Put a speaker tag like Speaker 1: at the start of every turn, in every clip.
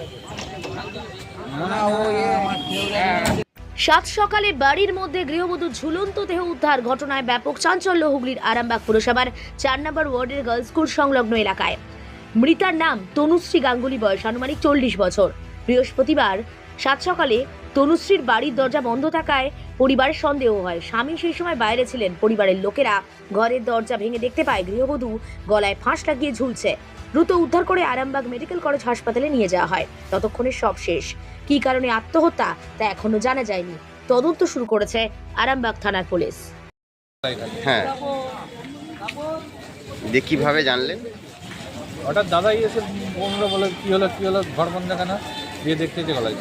Speaker 1: সাত সকালে বাড়ির মধ্যে গৃহবধূ ঝুলন্ত দেহ উদ্ধার ঘটনায় ব্যাপক চাঞ্চল্য হুগলির আরামবাগ পুরসভার ৪ নম্বর ওয়ার্ডের গার্লস স্কুল সংলগ্ন এলাকায়। মৃতার নাম তনুশ্রী গাঙ্গুলি, বয়স আনুমানিক 40 বছর। বৃহস্পতিবার সাত সকালে তনুশ্রীর বাড়ির দরজা বন্ধ থাকায় পরিবারের সন্দেহ হয় স্বামী সেই সময় বাইরে ছিলেন। পরিবারের লোকেরা ঘরের দরজা ভেঙে দেখতে পায় গৃহবধূ গলায় ফাঁস লাগিয়ে ঝুলছে। দ্রুত উদ্ধার করে আরামবাগ মেডিকেল কলেজ হাসপাতালে নিয়ে যাওয়া হয়। ততক্ষণে সব শেষ। কী কারণে আত্মহত্যা তা এখনো জানা যায়নি। তদন্ত শুরু করেছে আরামবাগ থানার পুলিশ।
Speaker 2: হ্যাঁ, দিয়ে কিভাবে জানলেন?
Speaker 3: হঠাৎ দাদাই এসে বোনরা বলে কী হলো ঘর বন্ধ কেন, দিয়ে দেখতে যে গলায়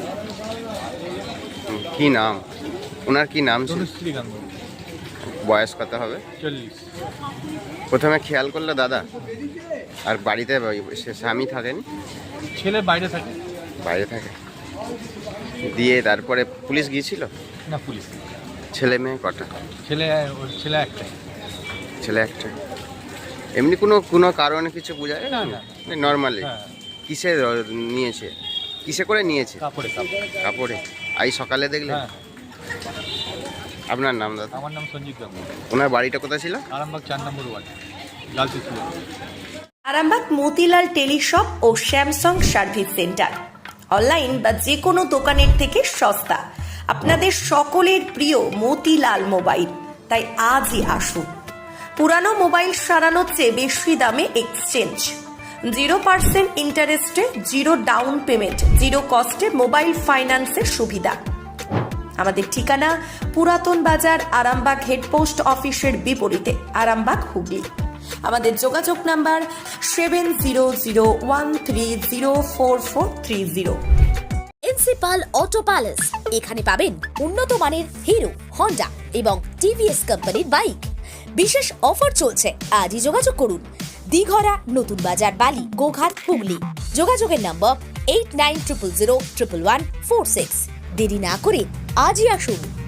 Speaker 2: কি নাম ওনার? কি নাম ছিল?
Speaker 3: তনুশ্রী গাঙ্গুলি,
Speaker 2: বয়স কত হবে?
Speaker 3: 40।
Speaker 2: প্রথমে খেয়াল করলো দাদা, আর বাড়িতে স্বামী থাকেন?
Speaker 3: ছেলে বাইরে থাকে।
Speaker 2: বাইরে থাকে। দিয়ে তারপরে পুলিশ গিয়েছিল?
Speaker 3: না, পুলিশ।
Speaker 2: ছেলে মেয়ে কটা?
Speaker 3: ছেলে একটাই।
Speaker 2: ছেলে একটা। এমনি কোনো কারণে কিছু বোঝা যায় না?
Speaker 3: না।
Speaker 2: নর্মালি
Speaker 3: হ্যাঁ,
Speaker 2: কিসে নিয়েছে? কিসে করে নিয়েছে?
Speaker 3: কাপড়ে।
Speaker 2: কাপড়ে। আজ সকালে দেখলেন?
Speaker 3: হ্যাঁ,
Speaker 2: আপনার নাম দাদা?
Speaker 3: আমার নাম সঞ্জিত গাঙ্গুলি।
Speaker 2: ওনার বাড়িটা কোথায় ছিল?
Speaker 3: Arambagh ৪ number ward, girls school.
Speaker 4: Arambagh Motilal teleshop ও স্যামসাং সার্ভিস সেন্টার অনলাইন বা যে কোনো দোকানের থেকে সস্তা। আপনাদের সকলের প্রিয় মতিলাল মোবাইল, তাই আজই আসুন। পুরানো মোবাইল সারানোর চেয়ে বেশি দামে এক্সচেঞ্জ, 0% ইন্টারেস্টে, 0 ডাউন পেমেন্ট, 0 কস্টে মোবাইল ফাইন্যান্সের সুবিধা। আমাদের ঠিকানা পুরাতন বাজার, আরামবাগ হেডপোস্ট অফিসের বিপরীতে, আরামবাগ, হুগলি। আমাদের যোগাযোগ নাম্বার 7001304430।
Speaker 1: প্রিন্সিপাল অটো প্যালেস, এখানে পাবেন উন্নত মানের হিরো, হন্ডা এবং টিভিএস কোম্পানির বাইক। বিশেষ অফার চলছে, আজই যোগাযোগ করুন। দিঘরা, নতুন বাজার, বালি, গোঘাট, হুগলি। যোগাযোগের নম্বর 8900011146। দেরি না করে আজই আসুন।